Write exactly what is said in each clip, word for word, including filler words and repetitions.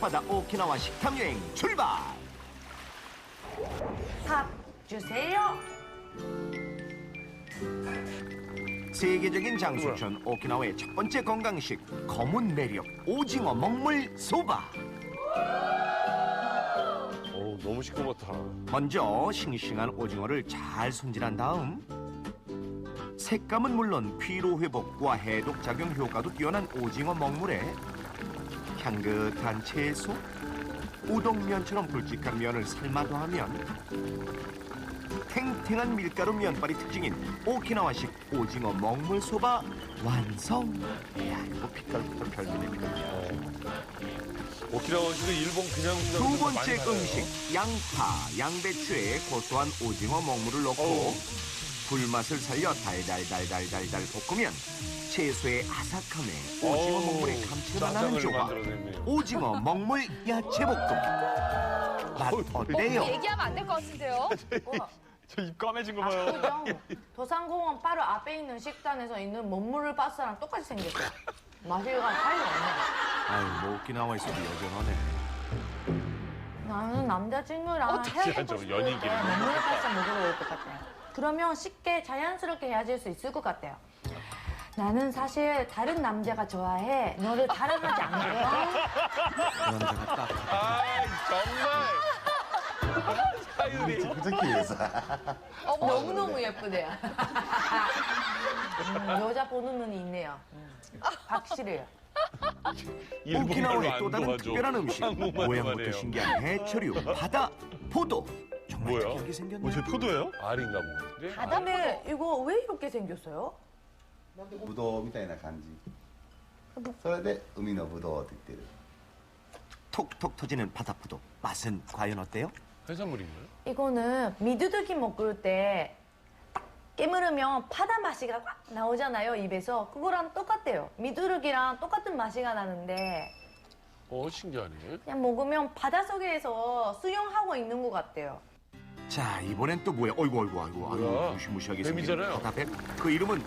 앞바다 오키나와 식탐 여행 출발! 밥 주세요. 세계적인 장수촌 오키나와의 첫 번째 건강식 검은 매력 오징어 먹물 소바. 어우, 너무 시끄럽다. 먼저 싱싱한 오징어를 잘 손질한 다음 색감은 물론 피로 회복과 해독 작용 효과도 뛰어난 오징어 먹물에 향긋한 채소, 우동면처럼 굵직한 면을 삶아 더하면 탱탱한 밀가루 면발이 특징인 오키나와식 오징어 먹물 소바 완성. 이야, 이거 빛깔부터 별미네요. 오키나와식은 일본 그냥 두 번째 음식 양파, 양배추에 고소한 오징어 먹물을 넣고 어우. 불맛을 살려 달달달달달달 볶으면 채소의 아삭함에 오징어 어우, 먹물의 감칠맛 나는 짜장을 조각 만들어냈네요. 오징어 먹물 야채 볶음. 맛 어때요? 얘기하면 안 될 것 같은데요? 저 입 까매진 거 봐요. 압구정 도산공원 바로 앞에 있는 식단에서 있는 먹물을 바스랑 똑같이 생겼어요. 맛이가 차이가 없네. 아유, 뭐 오키나와에서도 여전하네. 나는 남자친구랑 어떡해, 헤어지고 저 싶을 연인끼리 때 먹물을 바스 먹으러 올 것 같아요. 그러면 쉽게 자연스럽게 헤어질 수 있을 것 같아요. 나는 사실 다른 남자가 좋아해. 너를 사랑하지 않거든. 그 남자가 딱 아, 정말. 사유리. 부탁해서. 너무너무 예쁘대요. 음, 여자 보는 눈이 있네요. 음, 확실해요. 오키나와의 안 또 다른 도와줘. 특별한 음식 한국말로만 모양부터 해요. 신기한 해초류 바다 포도. 정말 뭐야? 특이하게 생겼네. 어, 저 포도예요? 알인가 보네. 바다에 이거 왜 이렇게 생겼어요? ぶどうみたいな感じ。それで海のぶどうって言ってる。 톡톡 터지는 바다 포도. 맛은 과연 어때요? 해산물인가요? 이거는 미두둑이 먹을 때 딱 깨물으면 바다 맛이 확 나오잖아요, 입에서. 그거랑 똑같대요. 미두둑이랑 똑같은 맛이 나는데 어, 신기하네. 그냥 먹으면 바닷속에서 수영하고 있는 것 같대요. 자, 이번엔 또 뭐야? 어이구, 어이구, 어이구, 뭐야? 아이고, 무시무시하게 생긴 뱀이잖아요. 바다뱀. 그 이름은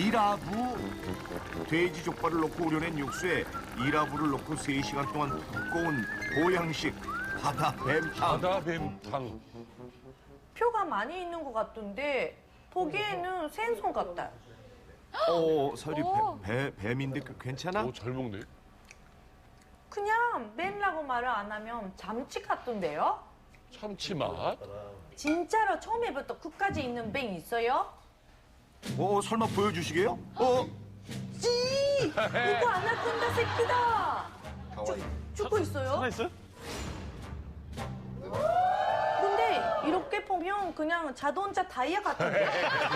이라부. 돼지 족발을 넣고 우려낸 육수에 이라부를 넣고 세 시간 동안 두꺼운 보양식 바다뱀탕. 바다뱀탕. 표가 많이 있는 것 같던데 보기에는 생선 같아요. 어, 설이 오. 배, 배, 뱀인데 그 괜찮아? 오, 잘 먹네. 그냥 뱀이라고 말을 안 하면 잠치 같던데요? 참치 맛. 진짜로 처음에부터 끝까지 있는 뱀 있어요? 어, 설마 보여주시게요? 어, 찌! 이거 아나콘다 새끼다! かわいい。 죽고 있어요? 살아있어요? 근데 이렇게 보면 그냥 자동차 타이어 같은데?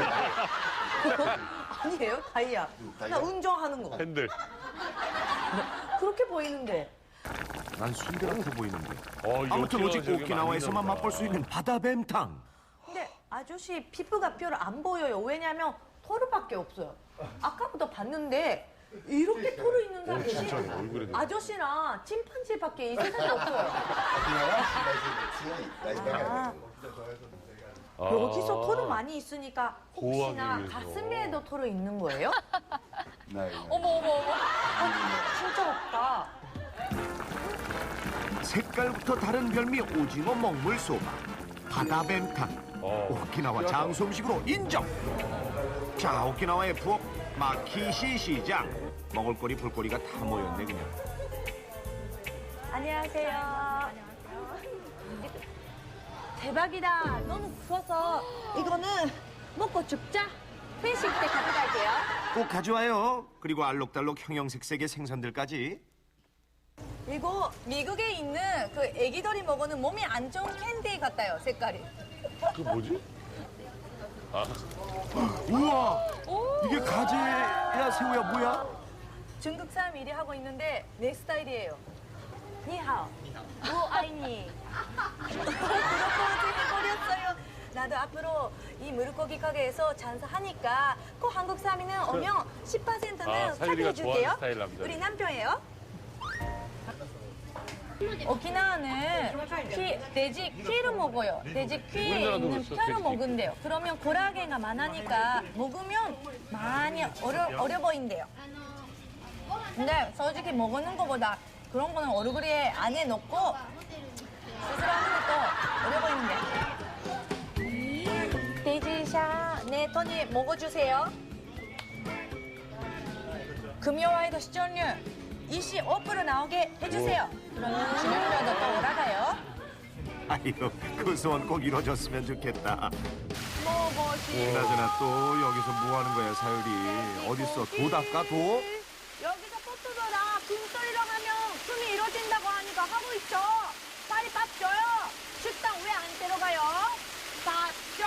아니에요? 타이어. 나 운전하는 거. 핸들. 그렇게 보이는데. 난 순대 같아 보이는데. 어, 이 아무튼 오직 오키나와 오키나와에서만 많이 맛볼 수 있는 바다뱀탕. 근데 아저씨 피부가 별로 안 보여요. 왜냐면 털밖에 없어요. 아까부터 봤는데 이렇게 털이 있는 사람이 진짜 얼굴에. 아저씨랑 침판지밖에 이 세상에 없어요. 沖縄は紫外線が強い大事だから。 아. 여기서 털이 많이 있으니까 혹시나 보호하기 위해서. 가슴에도 털이 있는 거예요? ないない。 어머, 어머, 어머. 진짜 없다. 색깔부터 다른 별미 오징어 먹물 소바. 바다뱀탕. 어. 오키나와 장수 음식으로 인정. 자, 오키나와의 부엌 마키시 시장. 먹을거리 볼거리가 다 모였네 그냥. 안녕하세요. 대박이다. 너무 부어서 이거는 먹고 죽자. 회식 때 가져갈게요. 꼭 가져와요. 그리고 알록달록 형형색색의 생선들까지. 이거 미국에 있는 그 애기들이 먹는 몸이 안 좋은 캔디 같아요. 색깔이. 그 뭐지? 아, 우와, 이게 가재야 새우야 뭐야? 중국 사람 일이 하고 있는데 내 스타일이에요. 니하오. 우아이니. 프로포즈 해버렸어요. 나도 앞으로 이 물고기 가게에서 장사하니까 꼭 한국 사람이는 오면 십 퍼센트는 아, 사유리가 사드릴게요. 좋아하는 스타일 남자. 우리 남편이에요. 오키나와는 피, 돼지 퀴를 먹어요. 돼지 퀴에 우리나라도 있는 그렇죠, 뼈를 돼지 퀴. 먹은대요. 그러면 고라게가 많으니까 먹으면 많이 어려, 어려 보인대요. 근데 솔직히 먹는 것보다 그런 거는 얼그레이 안에 넣고 스스로 하는 것도 어려 보이는데. 돼지샤, 네, 토니 먹어주세요. 금요와이도 시청률 이십오 퍼센트 나오게 해주세요. 그러면 시청률도 또 올라가요. 아유, 그 소원 꼭 이뤄졌으면 좋겠다. 먹어지. 그나저나 또 여기서 뭐 하는 거야, 사유리? 어딨어? 도 닦아, 도? 여기서 포트더라 금소리랑 하면 숨이 이뤄진다고 하니까 하고 있죠. 빨리 밥 줘요. 식당 왜 안 데려가요? 밥 줘.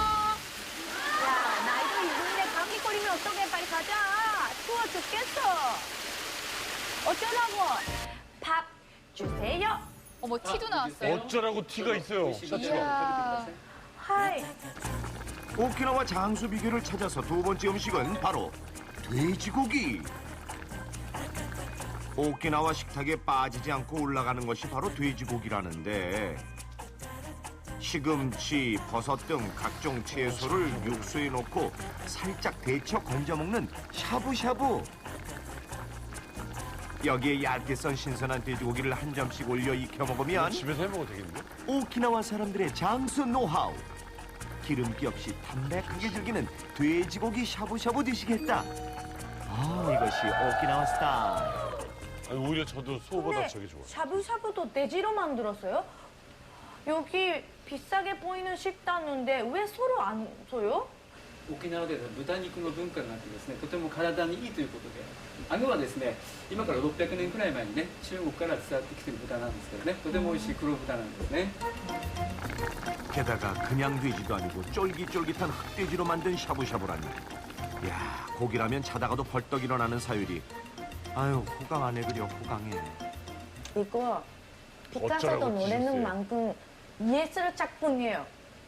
야, 나이도 있는데 감기 걸리면 어떡해. 빨리 가자. 추워 죽겠어. 어쩌라고. 밥 주세요. 어머 티도 나왔어요. 어쩌라고 티가 있어요. 셔츠가. 이야. 하이. 오키나와 장수 비결을 찾아서 두 번째 음식은 바로 돼지고기. 오키나와 식탁에 빠지지 않고 올라가는 것이 바로 돼지고기라는데, 시금치, 버섯 등 각종 채소를 육수에 넣고 살짝 데쳐 건져 먹는 샤브샤브. 여기에 얇게 썬 신선한 돼지고기를 한 점씩 올려 익혀 먹으면 집에서 해 먹어도 되겠는데? 오키나와 사람들의 장수 노하우. 기름기 없이 담백하게 즐기는 돼지고기 샤브샤브 드시겠다. 아, 이것이 오키나와 스타일. 아니, 오히려 저도 소보다 근데 저게 좋아. 샤브샤브도 돼지로 만들었어요? 여기 비싸게 보이는 식당인데 왜 소로 안 써요? 沖縄では豚肉の文化があってですね、とても体にいいということで、アグはですね、今からろっぴゃくねんくらい前にね、中国から伝わってきている豚なんですけどね、とても美味しい黒豚なんですね。 게다가 그냥 돼지도 아니고 쫄깃쫄깃한 흑돼지로 만든 샤브샤브라니. 야, 고기라면 자다가도 벌떡 일어나는 사유리. 아유, 호강 안 해 그려, 호강해. 이거 피카소도 어쩌라고 노래는 지셨어요? 만큼 예술 작품이에요.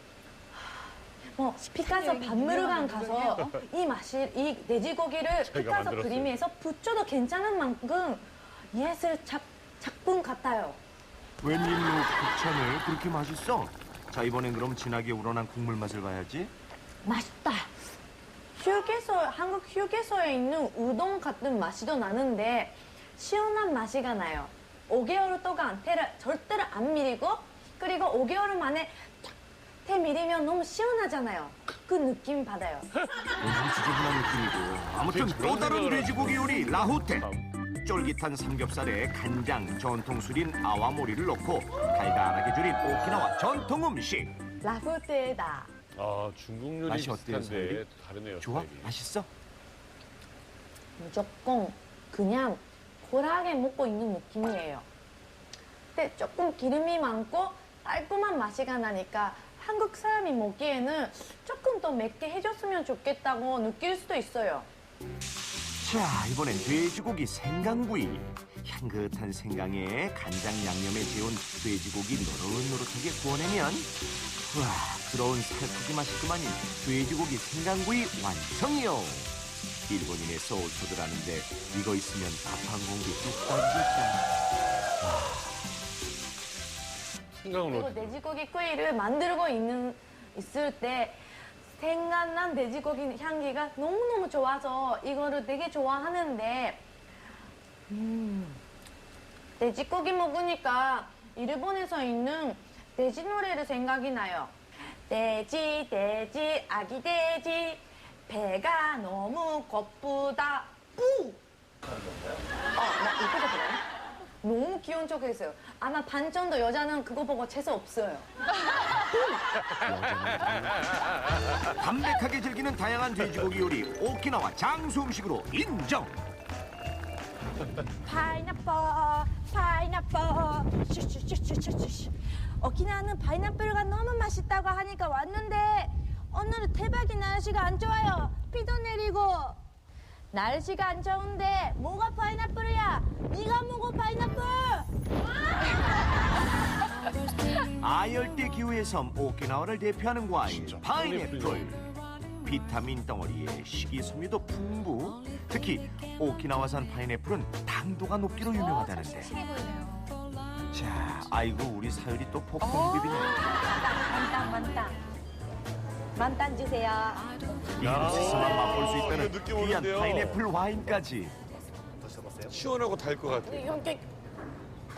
뭐 피카소 박물관 가서 이 맛이 이 돼지고기를 피카소 만들었어요. 그림에서 붙여도 괜찮은 만큼 예술 작, 작품 같아요. 웬일로 국천을 그렇게 맛있어? 자, 이번엔 그럼 진하게 우러난 국물 맛을 봐야지. 맛있다. 휴게소 한국 휴게소에 있는 우동 같은 맛이도 나는데 시원한 맛이가 나요. 오 개월 동안 태를 절대로 안 미리고, 그리고 오 개월 만에 쫙 태 미리면 너무 시원하잖아요. 그 느낌 받아요. 너무 지저분한 느낌이고. 아무튼 또 다른 돼지고기 요리 라후테. 쫄깃한 삼겹살에 간장, 전통 술인 아와모리를 넣고 달달하게 졸인 오키나와 전통 음식. 라후테다. 아, 중국 요리 맛이 어때요, 비슷한데 사장님? 다르네요. 좋아? 스타일이. 맛있어? 무조건 그냥 고라하게 먹고 있는 느낌이에요. 근데 조금 기름이 많고 달콤한 맛이가 나니까 한국 사람이 먹기에는 조금 더 맵게 해줬으면 좋겠다고 느낄 수도 있어요. 자, 이번엔 돼지고기 생강구이. 향긋한 생강에 간장 양념에 재운 돼지고기 노릇노릇하게 구워내면, 우와, 부러운 살코기 맛이 그만인 돼지고기 생강구이 완성이요. 일본인의 소울푸드라는데 이거 있으면 밥 한 공기 뚝 떨어지겠다. 생강으로. 그리고 돼지고기 구이를 만들고 있는 있을 때 생각난 돼지고기 향기가 너무너무 좋아서 이거를 되게 좋아하는데, 음, 돼지고기 먹으니까 일본에서 있는 돼지 노래를 생각이 나요. 돼지 돼지 아기 돼지 배가 너무 고프다 뿌. 어, 나 이거 들어요? 너무 귀여운 척했어요. 아마 반 정도 여자는 그거 보고 재수 없어요. 담백하게 즐기는 다양한 돼지고기 요리 오키나와 장수 음식으로 인정. 파인애플, 파인애플, 슈슈슈슈슈슈. 오키나와는 파인애플가 너무 맛있다고 하니까 왔는데 오늘은 대박이 날씨가 안 좋아요. 비도 내리고. 날씨가 안 좋은데 뭐가 파인애플이야? 네가 먹어 파인애플. 아열대 기후의 섬 오키나와를 대표하는 과일 진짜 파인애플. 파인애플이네. 비타민 덩어리에 식이섬유도 풍부. 특히 오키나와산 파인애플은 당도가 높기로 유명하다는데. 싱싱해 보이네요. 자, 아이고 우리 사유리 또 폭풍 비비네. 만땅 만땅. 만땅 주세요. 이곳에서만 맛볼 수 있다는 느낌 귀한 오는데요. 파인애플 와인까지. 시원하고 달 것 같아. 이렇게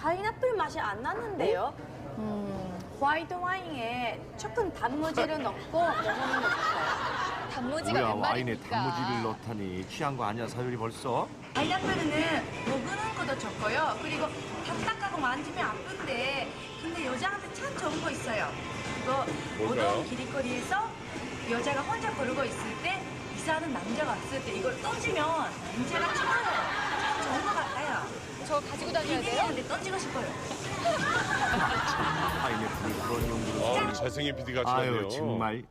파인애플 맛이 안 나는데요? 음, 화이트 와인에 조금 단무지를 넣고 먹는 거 같아요. 단무지가 뭐야 웬 와인에 말입니까? 단무지를 넣다니 취한 거 아니야 사유리 벌써? 파인애플은 먹는 것도 좋고요. 그리고 딱딱하고 만지면 아픈데 근데 여자한테 참 좋은 거 있어요. 이거 뭘까요? 오동 길거리에서 여자가 혼자 걸고 있을 때 이사하는 남자가 왔을 때 이걸 던지면 남자가 좋아요. 참 좋은 것 같아요. 저 가지고 다녀야 돼요? 근데 던지고 싶어요. 파인애플을 그런 용도로 아, 잘생긴 피디가 아유 좋네요. 정말.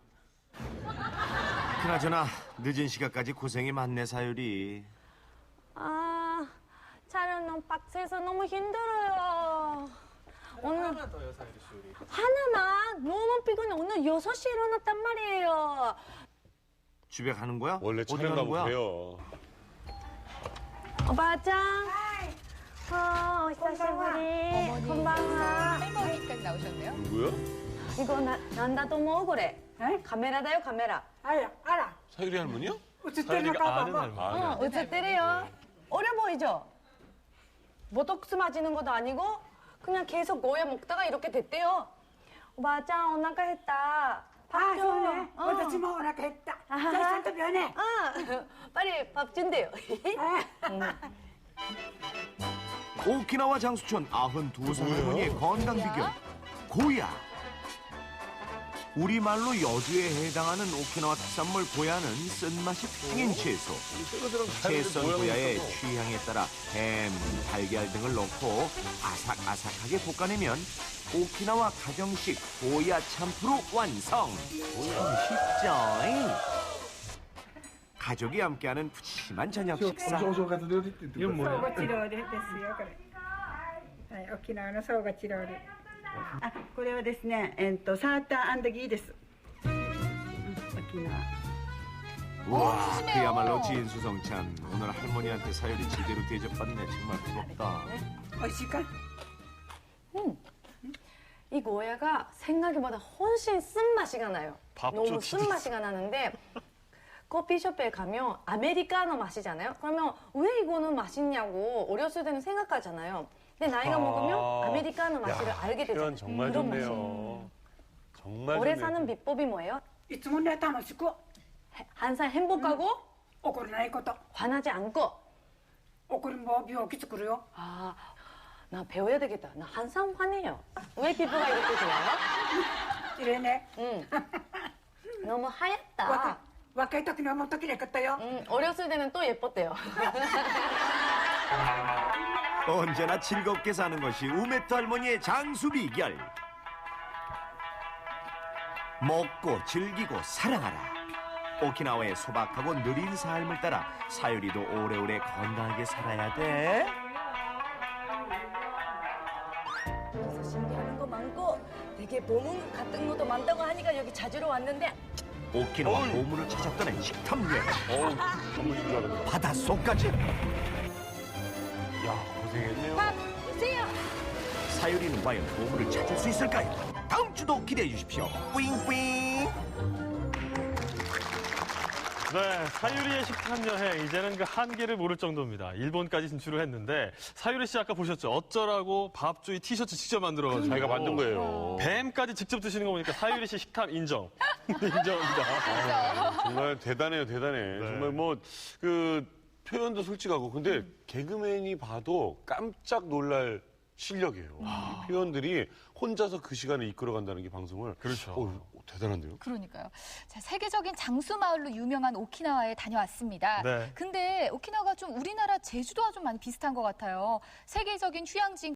그나저나 늦은 시간까지 고생이 많네 사유리. 아, 촬영 너무 빡세서 너무 힘들어요. 오늘 하나만 더요, 사유리 씨 우리. 하나만? 너무 피곤해. 오늘 여섯 시에 일어났단 말이에요. 집에 가는 거야? 원래 어디 촬영 가는 거야? 가고 그래요. 오바짱. 어, 히사시부리. 어머니, 건방아. 할머니까지 나오셨네요. 누구야? 이거 나, 난다도 뭐 그래? 에? 카메라다요, 카메라. 알아, 알아. 사유리 할머니요? 어쨌든 봐봐. 뭐. 어, 어쨌든요. 어려 보이죠? 보톡스 맞이는 것도 아니고 그냥 계속 고야 먹다가 이렇게 됐대요. 오바짱, 오나가 했다. 밥 아, 줘. 그러네. 어. 어디서 먹으라고 했다. 아하. 자, 산도 변해. 아, 빨리 밥 준대요. 오키나와 장수촌 아흔두 살 할머니의 건강 비결 고야. 우리말로 여주에 해당하는 오키나와 특산물 고야는 쓴맛이 특징인 채소. 채썬 고야의 취향에 따라 햄, 달걀 등을 넣고 아삭아삭하게 볶아내면 오키나와 가정식 고야 참프로 완성. 참 쉽죠? 가족이 함께하는 푸짐한 저녁 식사. 이건 뭐야? ソーガチロールですよ、これ。はい、沖縄のソーガチロール。あ、これはですね、えっとサーターギーです。うん沖縄。 와, 푸짐해요. 그야말로 진수성찬. 오늘 할머니한테 사유리 제대로 대접받네. 정말 부럽다. 美味しいか？ 이 고야가 생각보다 훨씬 쓴맛이가 나요. 밥 너무 좋지. 쓴맛이가 나는데 커피숍에 가면 아메리카노 마시잖아요. 그러면 왜 이거는 맛있냐고 어렸을 때는 생각하잖아요. 근데 나이가 아. 먹으면 아메리카노 맛을 야, 알게 되잖아요. 표현 정말 그런 맛이에요. 좋네요. 정말 오래 좋네요. 사는 비법이 뭐예요? いつもね楽しく 항상 행복하고 怒らないこと。 화나지 않고. 怒りも病気作るよ。 아, 나 배워야 되겠다. 나 항상 화내요. 왜 피부가 이렇게 좋아요? 綺麗ね。 응. 너무 若 하얗다. い若い時にはもっと綺麗かったよ。 음, 어렸을 때는 또 예뻤대요. 언제나 즐겁게 사는 것이 우메토 할머니의 장수 비결. 먹고 즐기고 사랑하라. 오키나와의 소박하고 느린 삶을 따라 사유리도 오래오래 건강하게 살아야 돼. 그래서 신기한 거 많고 되게 보문 같은 것도 많다고 하니까 여기 자주로 왔는데 오키나와 보물을 찾았다는 식탐 여행. 어우, 전부 줄 알았네. 바닷속까지. 야, 고생했네요. 밥 주세요. 사유리는 과연 보물을 찾을 수 있을까요? 다음 주도 기대해 주십시오. 뿌잉뿌잉. 네, 사유리의 식탐 여행 이제는 그 한계를 모를 정도입니다. 일본까지 진출을 했는데 사유리 씨 아까 보셨죠? 어쩌라고 밥주의 티셔츠 직접 만들어가지고 자기가 만든 거예요. 뱀까지 직접 드시는 거 보니까 사유리 씨 식탐 인정. 인정합니다. 아, 정말 대단해요, 대단해. 정말 뭐, 그, 표현도 솔직하고. 근데 개그맨이 봐도 깜짝 놀랄 실력이에요. 이 표현들이 혼자서 그 시간을 이끌어간다는 게 방송을. 그렇죠. 어, 대단한데요? 그러니까요. 자, 세계적인 장수 마을로 유명한 오키나와에 다녀왔습니다. 네. 근데 오키나와가 좀 우리나라 제주도와 좀 많이 비슷한 것 같아요. 세계적인 휴양지